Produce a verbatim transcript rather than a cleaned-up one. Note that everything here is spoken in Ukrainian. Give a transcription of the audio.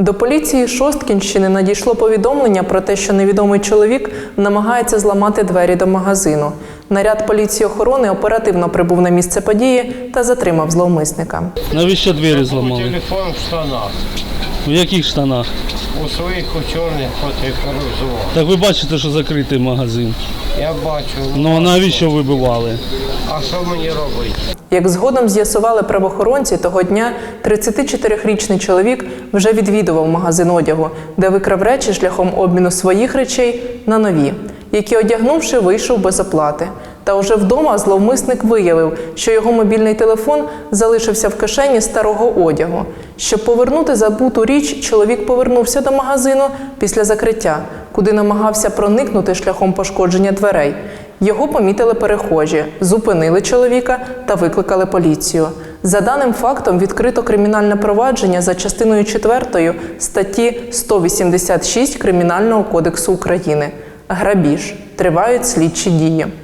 До поліції Шосткінщини надійшло повідомлення про те, що невідомий чоловік намагається зламати двері до магазину. Наряд поліції охорони оперативно прибув на місце події та затримав зловмисника. Навіщо двері зламали? Телефон в штанах. У яких штанах? У своїх у чорних фотофорузував. Так ви бачите, що закритий магазин. Я бачу. Ну а навіщо вибивали? А що мені робити? Як згодом з'ясували правоохоронці, того дня тридцятичотирирічний чоловік вже відвідував магазин одягу, де викрав речі шляхом обміну своїх речей на нові, які, одягнувши, вийшов без оплати. Та уже вдома зловмисник виявив, що його мобільний телефон залишився в кишені старого одягу. Щоб повернути забуту річ, чоловік повернувся до магазину після закриття, куди намагався проникнути шляхом пошкодження дверей. Його помітили перехожі, зупинили чоловіка та викликали поліцію. За даним фактом відкрито кримінальне провадження за частиною четвертою статті сто вісімдесят шість Кримінального кодексу України. Грабіж. Тривають слідчі дії.